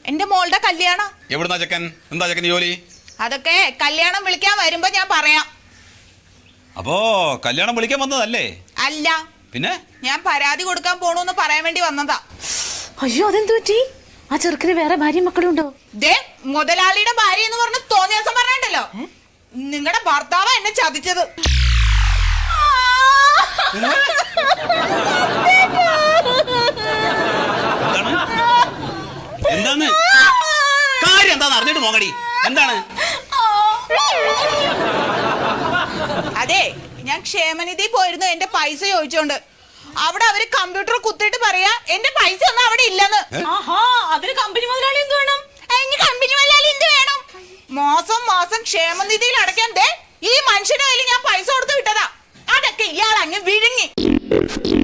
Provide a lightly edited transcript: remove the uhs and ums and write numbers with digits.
എന്റെ മോളുടെ കല്യാണം. എവിടുന്നാ ചെക്കൻ? എന്താ ചെക്കൻ ജോലി? അതൊക്കെ കല്യാണം വിളിക്കാൻ വരുമ്പോ ഞാൻ പറയാം. അപ്പോ കല്യാണം വിളിക്കാൻ വന്നതല്ലേ? അല്ല, പിന്നെ ഞാൻ പരാതി കൊടുക്കാൻ പോണൂന്ന് പറയാൻ വേണ്ടി വന്നതാ. അയ്യോ, അതെന്തു പറ്റി? ആ ചെറുക്കിന് വേറെ ഭാര്യയും മക്കളും ഉണ്ടോ? ദേ, മുതലാളിയുടെ ഭാര്യ എന്ന് പറഞ്ഞ് തോന്നിയ ദിവസം പറഞ്ഞിട്ടല്ലോ, നിങ്ങളുടെ ഭർത്താവ് എന്നെ ചതിച്ചത്. എന്താണ് കാര്യം? എന്താന്ന് അറിഞ്ഞിട്ട് പോകടി. എന്താണ്? അതെ, ഞാൻ ക്ഷേമനിധി പോയിരുന്നു എന്റെ പൈസ ചോദിച്ചോണ്ട്. അവിടെ അവര് കമ്പ്യൂട്ടർ കുത്തിയിട്ട് പറയാ എന്റെ പൈസ ഒന്നും അവിടെ ഇല്ലെന്ന്. അതിന് കമ്പനി മുതലാളി എന്ത് വേണം? കമ്പനി മുതലാളി എന്ത് വേണം? മാസം മാസം ക്ഷേമനിധിയിൽ അടയ്ക്കാൻ ദേ ഈ മനുഷ്യന്റെ കയ്യിൽ ഞാൻ പൈസ കൊടുത്ത് വിട്ടതാ. അതൊക്കെ ഇയാൾ അങ്ങ് വിഴുങ്ങി.